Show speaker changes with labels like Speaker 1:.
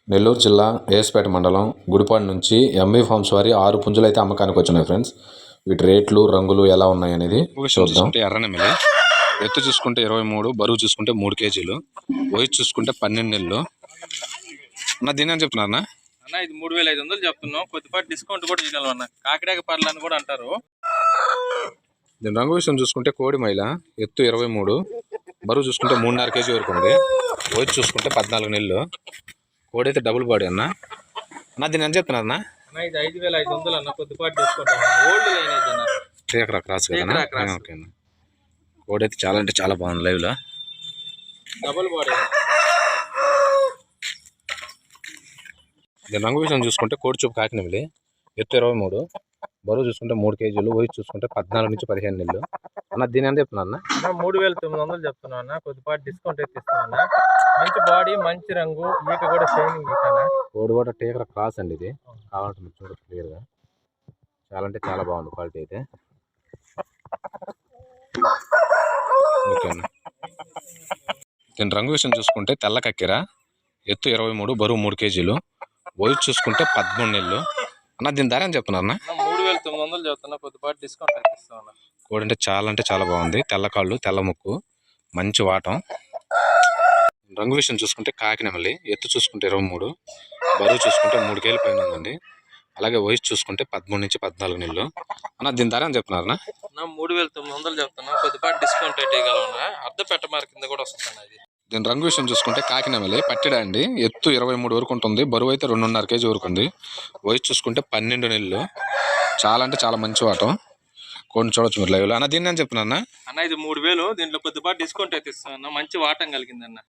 Speaker 1: నెల్లూరు జిల్లా ఏఎస్పేట మండలం గుడిపాడు నుంచి ఎంవి ఫార్మ్స్ వారి 6 పుంజులు అయితే అమ్మకానికి వచ్చినాయి ఫ్రెండ్స్. వీటి రేట్లు రంగులు ఎలా ఉన్నాయి అనేది చూద్దాం. ఎర్రనెమిలి ఎత్తు చూసుకుంటే 23, బరువు చూసుకుంటే 3 కేజీలు, వయసు చూసుకుంటే 12 నెలలు. అన్న దీని అని చెప్తున్నారు
Speaker 2: అన్న, ఇది 3500 చెప్తున్నాం. కొద్దిపాటి డిస్కౌంట్ కూడా చేయగలం అన్న. కాకిడాక పర్లు అని కూడా అంటారు.
Speaker 1: దీని రంగు విషయం చూసుకుంటే కోడి మైల, ఎత్తు 23, బరువు చూసుకుంటే 3.5 కేజీ వరకు ఉంది, వయసు చూసుకుంటే 14 నెలలు. కోడి అయితే డబుల్ బాడీ అన్న. దీని అని చెప్తున్నారు అన్న,
Speaker 2: ఇది 5500 అన్న. కొద్దిపాటి డిస్కౌంట్ ఓల్డ్ లైన్ అయితే అన్న.
Speaker 1: టీకరా క్రాస్ కదా. ఓకే అన్న. కోడి అయితే చాలా అంటే చాలా బాగుంది లైవ్ లో.
Speaker 2: Double body.
Speaker 1: దీని రంగు విషయం చూసుకుంటే కోడి చూపు కాకినెమిలి, ఎత్తు 23, బరువు చూసుకుంటే 3 కేజీలు, వయసు చూసుకుంటే 14 నుంచి 15 నెలలు. అన్న దీని అని చెప్తున్నా అన్న,
Speaker 2: 3900 చెప్తున్నా అన్న. కొద్దిపాటి డిస్కౌంట్ అయితే ఇస్తున్నా అన్న. మంచి బాడీ, మంచి రంగు, ఈక కూడా షైనింగ్ ఈక.
Speaker 1: కోడి కూడా టీకరా క్రాస్ అండి. ఇది కావాలంటే మీరు చూడొచ్చు క్లియర్ గా. చాలా అంటే చాలా బాగుంది క్వాలిటీ అయితే. ఓకే అన్న. దీని రంగు విషయం చూసుకుంటే తెల్ల కక్కెర, ఎత్తు 23, బరువు 3 కేజీలు, వయసు చూసుకుంటే 13 నెలలు. అన్న దీని ధర అని చెప్తున్నా అన్న,
Speaker 2: 3900 చెప్తున్నా. కొద్దిపాటి డిస్కౌంట్ అయితే ఇస్తాను.
Speaker 1: కోడి అంటే చాలా బాగుంది. తెల్ల కాళ్ళు, తెల్ల ముక్కు, మంచి వాటం. రంగు విషయం చూసుకుంటే కాకినెమలి, ఎత్తు చూసుకుంటే 23, బరువు చూసుకుంటే 3 కేజీల పైన ఉందండి. అలాగే వయసు చూసుకుంటే 13 నుంచి 14 నెలలు. అన్న దీని ధర అని చెప్తున్నారన్నా,
Speaker 2: 3900 చెప్తున్నా. కొద్దిపాటి డిస్కౌంట్ అయితే ఇవ్వగలన్నా. అర్ధ పెట్ట మార్క్ కింద కూడా వస్తుంది అది.
Speaker 1: దీని రంగు విషయం చూసుకుంటే కాకినెమలి పట్టిడా అండి. ఎత్తు 23 వరకు ఉంటుంది, బరువు అయితే 2.5 కేజీ వరకు ఉంది, వయసు చూసుకుంటే 12 నెలలు. చాలా అంటే చాలా మంచి వాటం. కొన్ని చూడొచ్చు మీరు లైవ్ లో. అన్న దీన్ని అని చెప్తున్నా
Speaker 2: అన్న, ఇది 3000. దీంట్లో కొద్దిపాటి డిస్కౌంట్ అయితే ఇస్తాను. మంచి వాటం కలిగిందన్న.